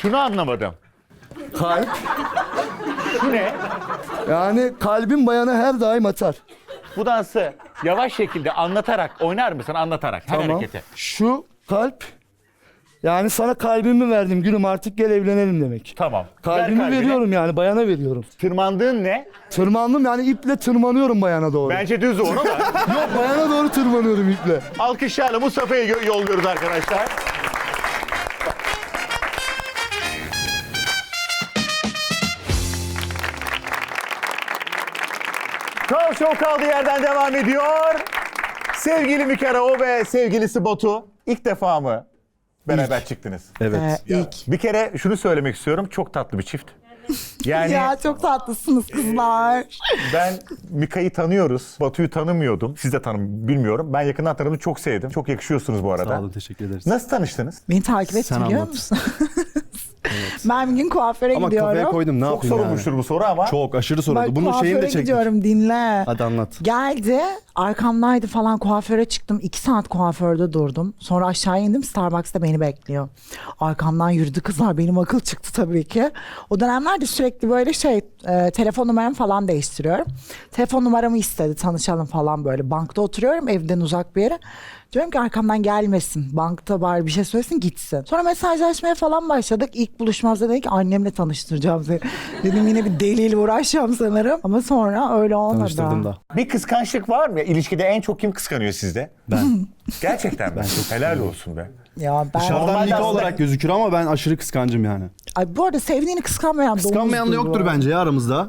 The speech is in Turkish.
Şunu anlamadım. Kalp. Şu ne? Yani kalbin bayana her daim atar. Bu dansı yavaş şekilde anlatarak oynar mısın? Anlatarak her Tamam. hareketi. Şu kalp. Yani sana kalbimi verdim gülüm, artık gel evlenelim demek. Tamam. Ver Kalbimi kalbini. veriyorum yani, bayana veriyorum. Tırmandığın ne? Tırmandım yani, iple tırmanıyorum bayana doğru. Bence düz olur ama. Yok, bayana doğru tırmanıyorum iple. Alkışlarla Mustafa'yı yolluyoruz arkadaşlar. Kral Show kaldığı yerden devam ediyor. Sevgili Mikara o ve sevgilisi Batu ilk defa mı beraber çıktınız? Evet. İlk. Bir kere şunu söylemek istiyorum. Çok tatlı bir çift. Yani Ya çok tatlısınız kızlar. ben Mika'yı tanıyoruz. Batu'yu tanımıyordum. Siz de bilmiyorum. Ben yakından tanıdım. Çok sevdim. Çok yakışıyorsunuz bu arada. Sağ olun, teşekkür ederiz. Nasıl tanıştınız? Beni takip et Sen biliyor anlat. musun? Ben bir gün kuaföre Ama gidiyorum. kafaya koydum, ne Çok yapayım sorulmuştur bu soru ama. Çok aşırı soruldu. Bak, Bunun şeyini de kuaföre çektik. gidiyorum, dinle. Hadi anlat. Geldi, arkamdaydı falan, kuaföre çıktım. 2 saat kuaförde durdum. Sonra aşağı indim, Starbucks'ta beni bekliyor. Arkamdan yürüdü kızlar, benim akıl çıktı tabii ki. O dönemlerde sürekli böyle telefon numaramı falan değiştiriyorum. Telefon numaramı istedi, tanışalım falan böyle. Bankta oturuyorum, evden uzak bir yere. Diyorum ki arkamdan gelmesin, bankta bari bir şey söylesin gitsin. Sonra mesajlaşmaya falan başladık. İlk buluşmamızda dedi ki annemle tanıştıracağım seni. Dedim yine bir deliyle uğraşacağım sanırım. Ama sonra öyle olmadı. Tanıştırdım da. Bir kıskançlık var mı? İlişkide en çok kim kıskanıyor sizde? Ben. Gerçekten ben çok helal olsun be. Ya ben... Dışarıdan Normalde Mika aslında- olarak gözükür ama ben aşırı kıskancım yani. Ay bu arada sevdiğini kıskanmayan Kıskanmayan da domuzdur yoktur bu. bence ya aramızda.